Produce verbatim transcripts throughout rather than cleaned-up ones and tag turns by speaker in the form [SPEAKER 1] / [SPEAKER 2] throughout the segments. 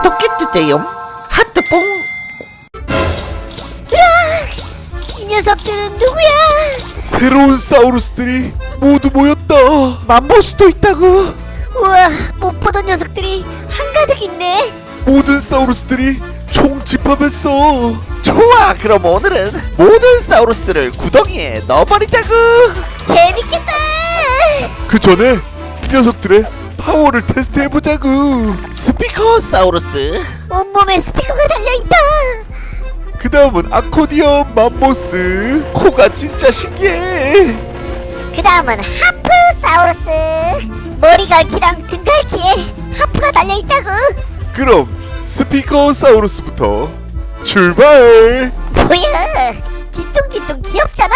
[SPEAKER 1] 좋겠는데요. 하트뽕.
[SPEAKER 2] 이 녀석들은 누구야?
[SPEAKER 3] 새로운 사우루스들이 모두 모였다.
[SPEAKER 1] 맘보스도 있다고.
[SPEAKER 2] 우와, 못 보던 녀석들이 한가득 있네.
[SPEAKER 3] 모든 사우루스들이 총 집합했어.
[SPEAKER 1] 좋아, 그럼 오늘은 모든 사우루스들을 구덩이에 넣어버리자구.
[SPEAKER 2] 재밌겠다.
[SPEAKER 3] 그 전에 이 녀석들의 파워를 테스트해보자구.
[SPEAKER 1] 스피커 사우루스.
[SPEAKER 2] 온몸에 스피커가 달려있다.
[SPEAKER 3] 그 다음은 아코디언 맘모스. 코가 진짜 신기해.
[SPEAKER 2] 그 다음은 하프사우루스. 머리 갈기랑 등 갈기에 하프가 달려있다고.
[SPEAKER 3] 그럼 스피커 사우루스부터 출발.
[SPEAKER 2] 뭐야, 뒤뚱뒤뚱 귀엽잖아.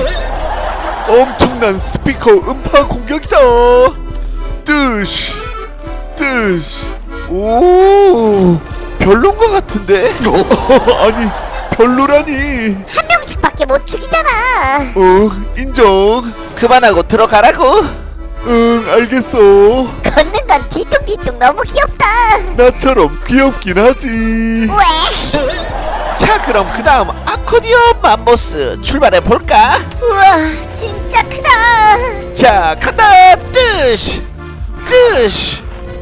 [SPEAKER 3] 엄청난 스피커 음파 공격이다. 뜨시 뜨시.
[SPEAKER 1] 오, 별론 것 같은데.
[SPEAKER 3] 아니 별로라니.
[SPEAKER 2] 한 명씩밖에 못 죽이잖아.
[SPEAKER 3] 어 인정.
[SPEAKER 1] 그만하고 들어가라고.
[SPEAKER 3] 응 알겠어.
[SPEAKER 2] 걷는 건 뒤뚱뒤뚱 너무 귀엽다.
[SPEAKER 3] 나처럼 귀엽긴 하지.
[SPEAKER 2] 왜?
[SPEAKER 1] 자, 그럼 그 다음 아코디언 맘보스 출발해 볼까?
[SPEAKER 2] 우와, 진짜 크다.
[SPEAKER 1] 자, 간다. 뜨시 뜨시.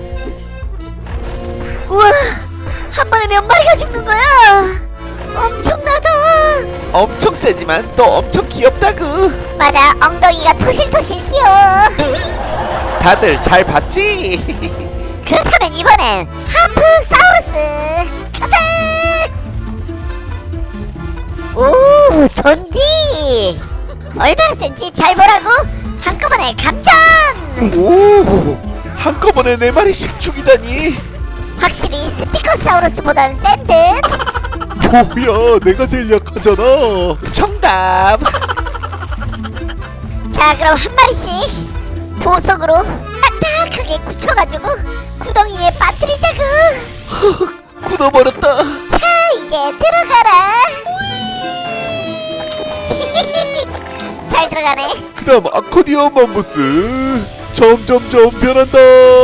[SPEAKER 2] 우와, 한 번에 몇 마리가 죽는 거야? 엄청나다.
[SPEAKER 1] 엄청 세지만 또 엄청 귀엽다구.
[SPEAKER 2] 맞아, 엉덩이가 토실토실 귀여워.
[SPEAKER 1] 다들 잘 봤지?
[SPEAKER 2] 그렇다면 이번엔 하프사우루스 가자. 오, 전기. 얼마나 센지 잘 보라고. 한꺼번에 감전.
[SPEAKER 1] 오, 한꺼번에 네 마리씩 죽이다니.
[SPEAKER 2] 확실히 스피커사우루스보단 센 듯.
[SPEAKER 3] 뭐야 내가 제일 약하잖아.
[SPEAKER 1] 정답.
[SPEAKER 2] 자, 그럼 한 마리씩 보석으로 딱딱하게 굳혀가지고 구덩이에 빠뜨리자구.
[SPEAKER 1] 굳어버렸다.
[SPEAKER 2] 자, 이제 들어가라. 잘 들어가네.
[SPEAKER 3] 그 다음 아코디언 맘보스. 점점점 변한다.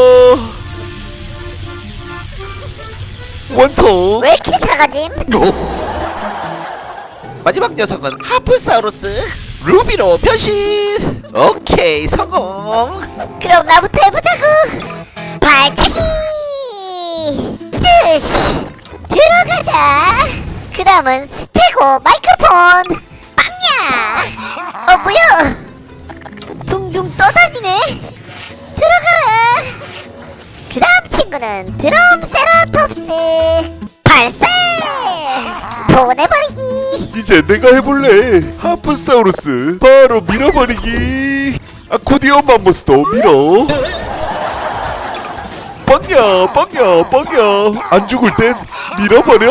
[SPEAKER 3] 완성.
[SPEAKER 2] 왜 이렇게 작아짐?
[SPEAKER 1] 마지막 녀석은 하프사우루스. 루비로 변신. 오케이, 성공.
[SPEAKER 2] 그럼 나부터 해보자구. 발차기. 뜨시. 들어가자. 그 다음은 스테고 마이크로폰. 빵야. 어, 뭐야? 둥둥 떠다니네. 들어가라. 그 다음 친구는 드럼 세라톱스. 발사. 보내버리기.
[SPEAKER 3] 이제 내가 해볼래. 하프사우루스 바로 밀어버리기. 아코디언 맘보스도 밀어. 빵야 빵야 빵야. 안 죽을 땐 밀어버려.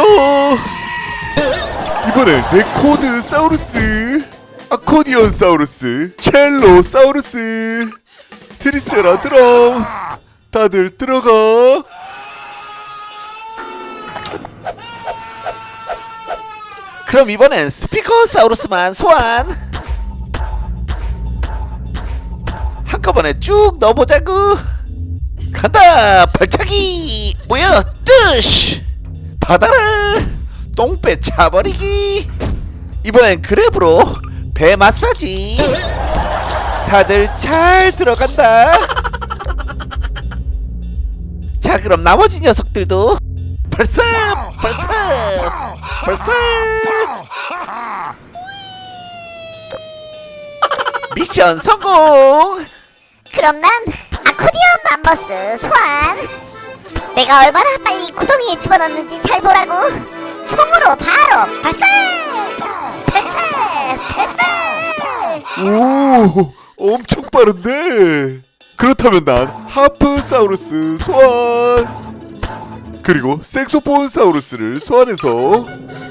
[SPEAKER 3] 이번엔 레코드 사우루스, 아코디언 사우루스, 첼로 사우루스, 트리세라 드럼. 다들 들어가.
[SPEAKER 1] 그럼 이번엔 스피커 사우루스만 소환. 한꺼번에 쭉 넣어보자구. 간다. 발차기. 뭐야? 뜨시. 받아라. 똥배 차버리기. 이번엔 그랩으로 배 마사지. 다들 잘 들어간다. 자, 그럼 나머지 녀석들도 발사 발사 발사. 미션 성공.
[SPEAKER 2] 그럼 난 아코디언 맘버스 소환. 내가 얼마나 빨리 구덩이에 집어넣는지 잘 보라고. 총으로 바로 발사! 발사! 발사!
[SPEAKER 3] 오 엄청 빠른데. 그렇다면 난 하프사우루스 소환. 그리고 색소폰 사우루스를 소환해서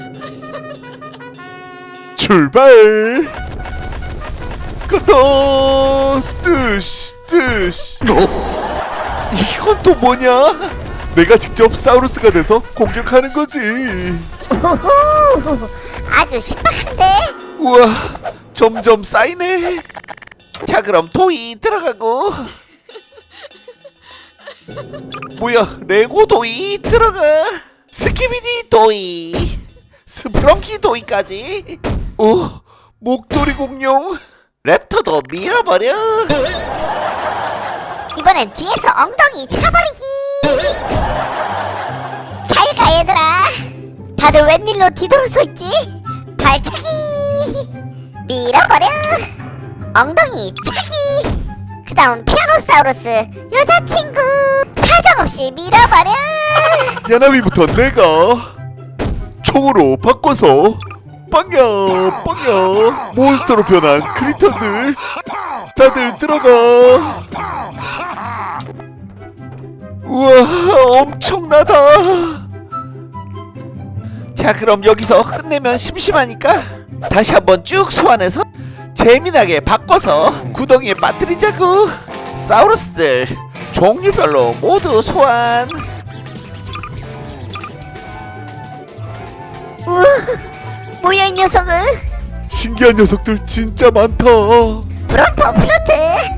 [SPEAKER 3] 출발. 간다. 뜨시 뜨시. 이건 또 뭐냐? 내가 직접 사우루스가 돼서 공격하는 거지.
[SPEAKER 2] 오호! 아주 신박한데?
[SPEAKER 1] 우와, 점점 쌓이네. 자, 그럼 토이 들어가고. 뭐야, 레고 도이 들어가. 스키비디 도이, 스프렁키 도이까지. 오, 목도리 공룡. 랩터도 밀어버려.
[SPEAKER 2] 이번엔 뒤에서 엉덩이 차버리기. 잘 가 얘들아. 다들 웬일로 뒤돌아서 있지? 발차기. 밀어버려. 엉덩이 차기. 그 다음 피아노사우루스 여자친구. 사정없이 밀어버려.
[SPEAKER 3] 야나미부터 내가 총으로 바꿔서 빵야 빵야 몬스터로 변한 크리터들 다들 들어가.
[SPEAKER 1] 우와, 엄청나다. 자, 그럼 여기서 끝내면 심심하니까 다시 한번 쭉 소환해서 재미나게 바꿔서 구덩이에 빠뜨리자구. 사우루스들 종류별로 모두 소환.
[SPEAKER 2] 우와, 뭐야 이 녀석은?
[SPEAKER 3] 신기한 녀석들 진짜 많다.
[SPEAKER 2] 브론토 플루트,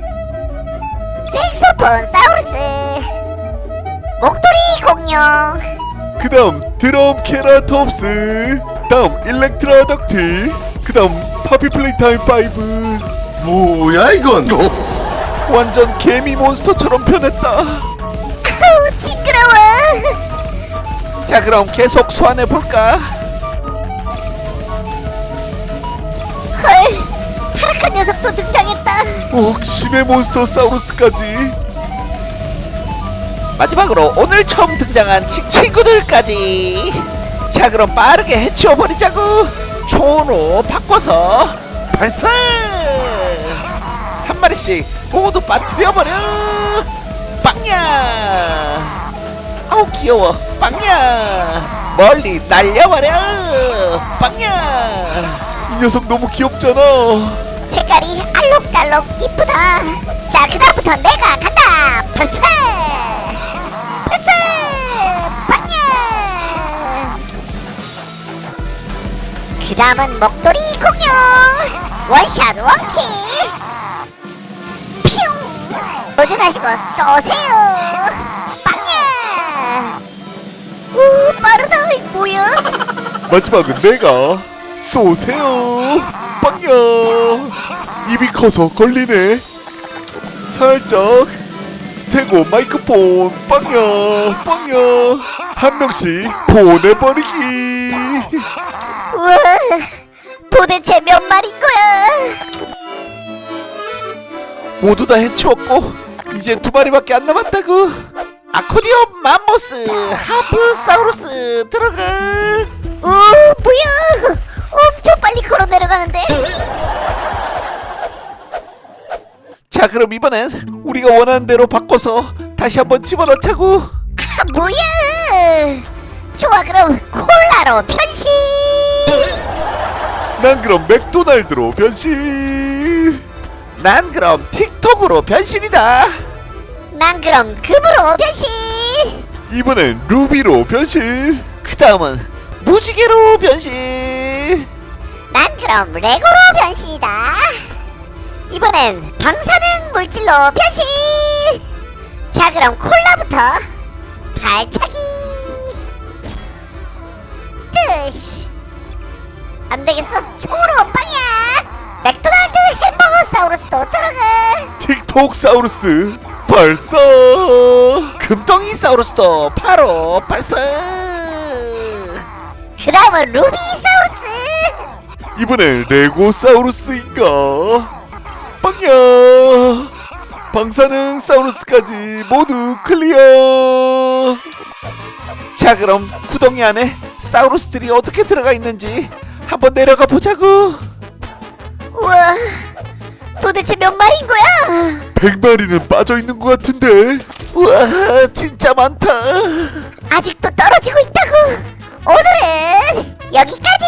[SPEAKER 2] 색소폰 사우루스, 목도리 공룡,
[SPEAKER 3] 그 다음 드럼 케라톱스, 다음 일렉트라 덕틸, 그 다음 파피 플레이타임 파이브.
[SPEAKER 4] 뭐야 이건?
[SPEAKER 1] 완전 개미 몬스터처럼 변했다.
[SPEAKER 2] 아우 징그러워.
[SPEAKER 1] 자, 그럼 계속 소환해 볼까?
[SPEAKER 2] 헐, 타락한 녀석도 등장했다.
[SPEAKER 3] 오, 신의 몬스터 사우루스까지.
[SPEAKER 1] 마지막으로 오늘 처음 등장한 치, 친구들까지. 자, 그럼 빠르게 해치워 버리자구. 초로 바꿔서 발사. 한 마리씩 모두 빠뜨려 버려. 빵야. 아우 귀여워. 빵야. 멀리 날려버려. 빵야.
[SPEAKER 3] 이 녀석 너무 귀엽잖아.
[SPEAKER 2] 색깔이 알록달록 이쁘다. 자, 그다음부터 내가 간다. 발사, 발사, 빵야. 그 다음은 목도리 공룡. 원샷 원킬. 퓨. 도전하시고 쏘세요. 빵야. 오, 빠르다. 이 뭐야?
[SPEAKER 3] 마지막은 내가 쏘세요. 빵야. 입이 커서 걸리네. 살짝 스테고 마이크폰. 빵야 빵야. 한 명씩 보내버리기.
[SPEAKER 2] 우와, 도대체 몇 마리인 거야?
[SPEAKER 1] 모두 다 해치웠고 이제 두 마리밖에 안 남았다구. 아코디언 맘모스 하프사우루스 들어가.
[SPEAKER 2] 오, 뭐야? 엄청 빨리 걸어 내려가는데.
[SPEAKER 1] 자, 그럼 이번엔 우리가 원하는 대로 바꿔서 다시 한번 집어넣자구.
[SPEAKER 2] 아, 뭐야? 좋아, 그럼 콜라로 변신.
[SPEAKER 3] 난 그럼 맥도날드로 변신.
[SPEAKER 1] 난 그럼 틱톡으로 변신이다.
[SPEAKER 2] 난 그럼 금으로 변신.
[SPEAKER 3] 이번엔 루비로 변신.
[SPEAKER 1] 그 다음은 무지개로 변신.
[SPEAKER 2] 난 그럼 레고로 변신이다. 이번엔 방사능 물질로 변신. 자, 그럼 콜라부터 발차기. 뜨시. 안 되겠어. 총으로 빵이야. 맥도날드 햄버거 사우루스도 들어가.
[SPEAKER 3] 틱톡 사우루스 발사.
[SPEAKER 1] 금덩이 사우루스도 바로 발사.
[SPEAKER 2] 그 다음은 루비 사우루스.
[SPEAKER 3] 이번엔 레고 사우루스인가. 빵야. 방사능 사우루스까지 모두 클리어.
[SPEAKER 1] 자, 그럼 구덩이 안에 사우루스들이 어떻게 들어가 있는지 한번 내려가 보자구.
[SPEAKER 2] 우와, 도대체 몇 마리인 거야?
[SPEAKER 3] 백 마리는 빠져있는 것 같은데.
[SPEAKER 1] 우와, 진짜 많다.
[SPEAKER 2] 아직도 떨어지고 있다고. 오늘은 여기까지.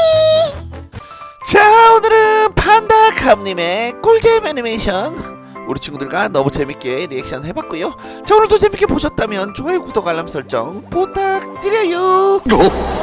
[SPEAKER 1] 자, 오늘은 판다감님의 꿀잼 애니메이션 우리 친구들과 너무 재밌게 리액션 해봤고요. 자, 오늘도 재밌게 보셨다면 좋아요, 구독, 알람 설정 부탁드려요.
[SPEAKER 3] 어?